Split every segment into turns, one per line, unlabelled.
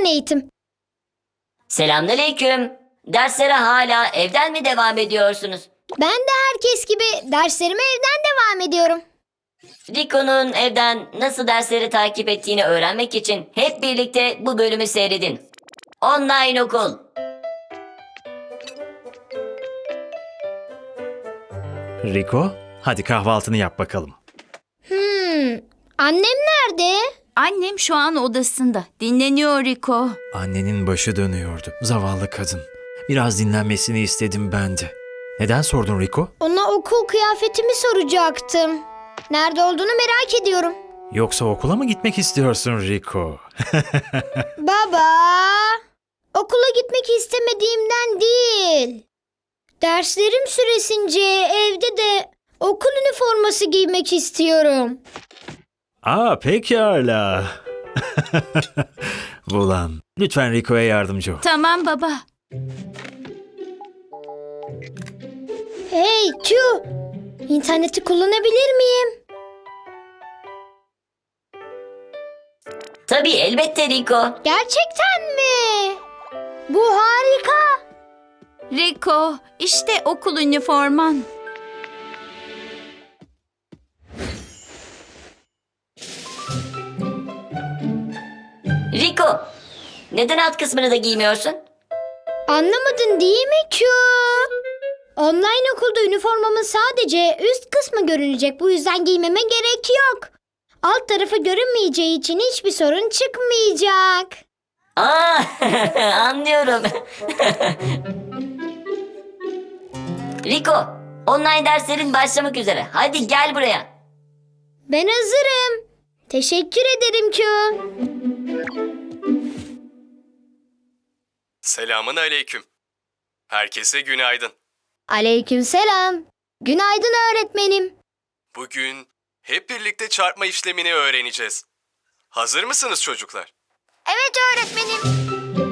eğitim.
Selamünaleyküm. Derslere hala evden mi devam ediyorsunuz?
Ben de herkes gibi derslerime evden devam ediyorum.
Rico'nun evden nasıl dersleri takip ettiğini öğrenmek için hep birlikte bu bölümü seyredin. Online okul.
Rico, hadi kahvaltını yap bakalım.
Annem nerede?
Annem şu an odasında. Dinleniyor Rico.
Annenin başı dönüyordu. Zavallı kadın. Biraz dinlenmesini istedim ben de. Neden sordun Rico?
Ona okul kıyafetimi soracaktım. Nerede olduğunu merak ediyorum.
Yoksa okula mı gitmek istiyorsun Rico?
Baba, okula gitmek istemediğimden değil. Derslerim süresince evde de okul üniforması giymek istiyorum.
Pekala. Bulan, lütfen Rico'ya yardımcı ol.
Tamam baba.
Hey Q, interneti kullanabilir miyim?
Tabii elbette Rico.
Gerçekten mi? Bu harika.
Rico, işte okul üniforman.
Rico, neden alt kısmını da giymiyorsun?
Anlamadın değil mi Q? Online okulda üniformamın sadece üst kısmı görünecek. Bu yüzden giymeme gerek yok. Alt tarafı görünmeyeceği için hiçbir sorun çıkmayacak.
Anlıyorum. Rico, online derslerin başlamak üzere. Hadi gel buraya.
Ben hazırım. Teşekkür ederim Q.
Selamın aleyküm. Herkese günaydın.
Aleykümselam. Günaydın öğretmenim.
Bugün hep birlikte çarpma işlemini öğreneceğiz. Hazır mısınız çocuklar?
Evet öğretmenim.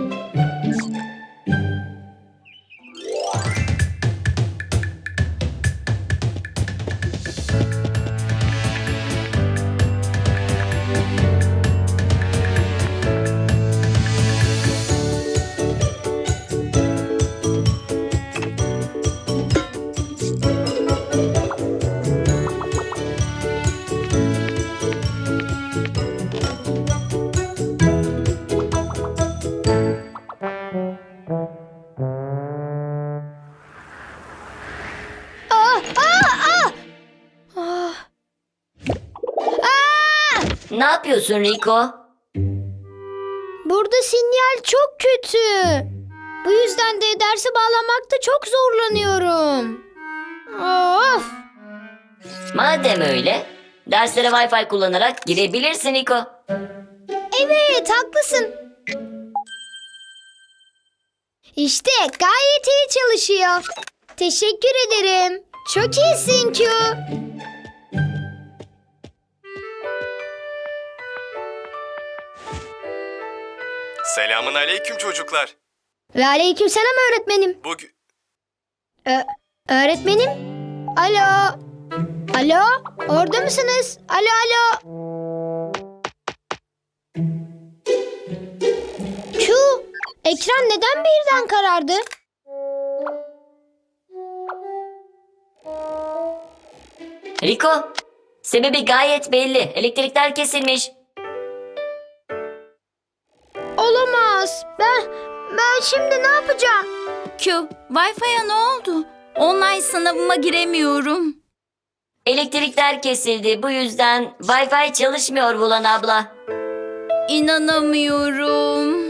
Ne yapıyorsun Rico?
Burada sinyal çok kötü. Bu yüzden de derse bağlanmakta çok zorlanıyorum. Of!
Madem öyle, derslere Wi-Fi kullanarak girebilirsin Rico.
Evet, haklısın. İşte gayet iyi çalışıyor. Teşekkür ederim. Çok iyisin Q.
Selamın aleyküm çocuklar.
Ve aleykümselam öğretmenim.
Bugün...
Öğretmenim? Alo? Alo? Orada mısınız? Alo alo? Q, ekran neden birden karardı?
Rico, sebebi gayet belli. Elektrikler kesilmiş.
Olamaz. Ben şimdi ne yapacağım?
Q, Wi-Fi'ye ne oldu? Online sınavıma giremiyorum.
Elektrikler kesildi. Bu yüzden Wi-Fi çalışmıyor Bulan abla.
İnanamıyorum.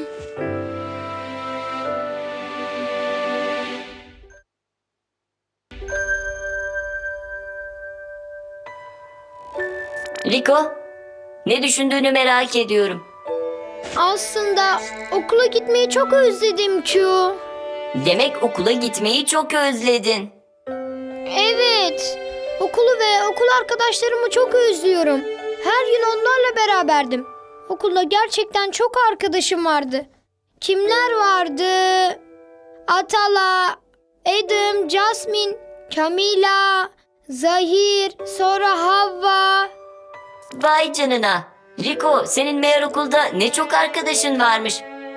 Rico, ne düşündüğünü merak ediyorum.
Aslında okula gitmeyi çok özledim Q.
Demek okula gitmeyi çok özledin.
Evet. Okulu ve okul arkadaşlarımı çok özlüyorum. Her gün onlarla beraberdim. Okulda gerçekten çok arkadaşım vardı. Kimler vardı? Atala, Adam, Jasmine, Camila, Zahir, sonra Havva.
Vay canına. Rico, senin meğer okulda ne çok arkadaşın varmış.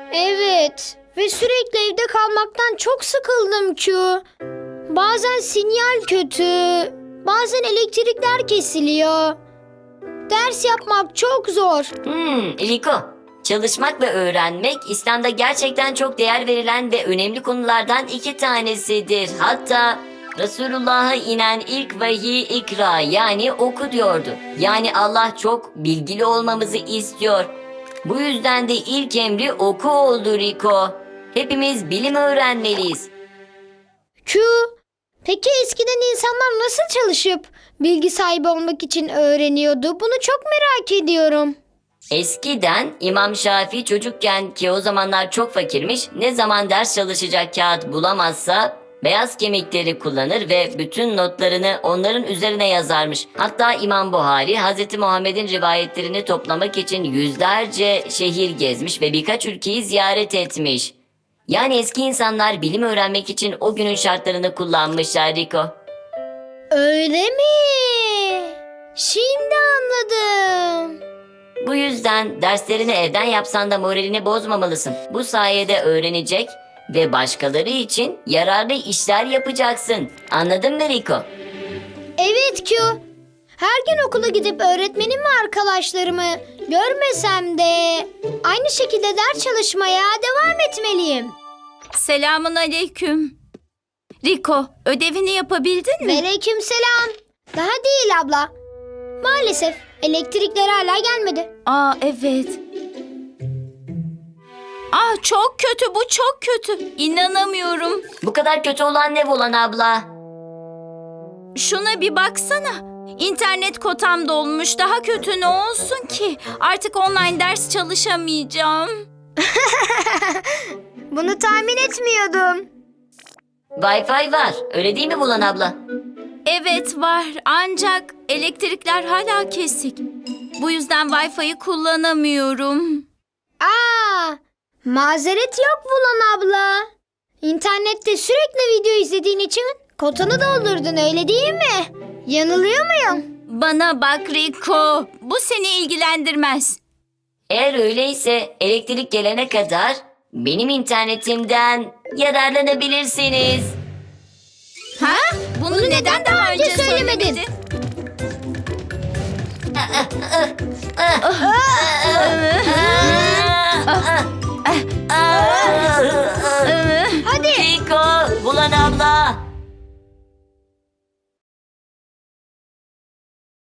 Evet ve sürekli evde kalmaktan çok sıkıldım Q. Bazen sinyal kötü, bazen elektrikler kesiliyor. Ders yapmak çok zor.
Liko, çalışmak ve öğrenmek İslam'da gerçekten çok değer verilen ve önemli konulardan 2 tanesidir. Hatta Resulullah'a inen ilk vahiy ikra yani oku diyordu. Yani Allah çok bilgili olmamızı istiyor. Bu yüzden de ilk emri oku oldu Riko. Hepimiz bilim öğrenmeliyiz.
Q. Peki eskiden insanlar nasıl çalışıp bilgi sahibi olmak için öğreniyordu? Bunu çok merak ediyorum.
Eskiden İmam Şafii çocukken ki o zamanlar çok fakirmiş, ne zaman ders çalışacak kağıt bulamazsa beyaz kemikleri kullanır ve bütün notlarını onların üzerine yazarmış. Hatta İmam Buhari Hz. Muhammed'in rivayetlerini toplamak için yüzlerce şehir gezmiş ve birkaç ülkeyi ziyaret etmiş. Yani eski insanlar bilim öğrenmek için o günün şartlarını kullanmışlar Riko.
Öyle mi? Şimdi anladım.
Bu yüzden derslerini evden yapsan da moralini bozmamalısın. Bu sayede öğrenecek ve başkaları için yararlı işler yapacaksın. Anladın mı Riko?
Evet Q. Her gün okula gidip öğretmenim ve arkadaşlarımı görmesem de aynı şekilde ders çalışmaya devam etmeliyim.
Selamun aleyküm. Riko, ödevini yapabildin mi?
Aleykümselam. Daha değil abla. Maalesef elektrikler hala gelmedi.
Aa, evet. Aa, çok kötü, bu çok kötü. İnanamıyorum.
Bu kadar kötü olan ne Volan abla?
Şuna bir baksana. İnternet kotam dolmuş. Daha kötü ne olsun ki? Artık online ders çalışamayacağım.
Bunu tahmin etmiyordum.
Wi-Fi var. Öyle değil mi Volan abla?
Evet var ancak elektrikler hala kesik. Bu yüzden Wi-Fi'yi kullanamıyorum.
Mazeret yok Bulan abla. İnternette sürekli video izlediğin için kotanı doldurdun öyle değil mi? Yanılıyor muyum?
Bana bak Riko, bu seni ilgilendirmez.
Eğer öyleyse elektrik gelene kadar benim internetimden yararlanabilirsiniz.
Ha? Bunu neden daha önce
söylemedin?
söylemedin?
Hadi.
Riko, Volan abla.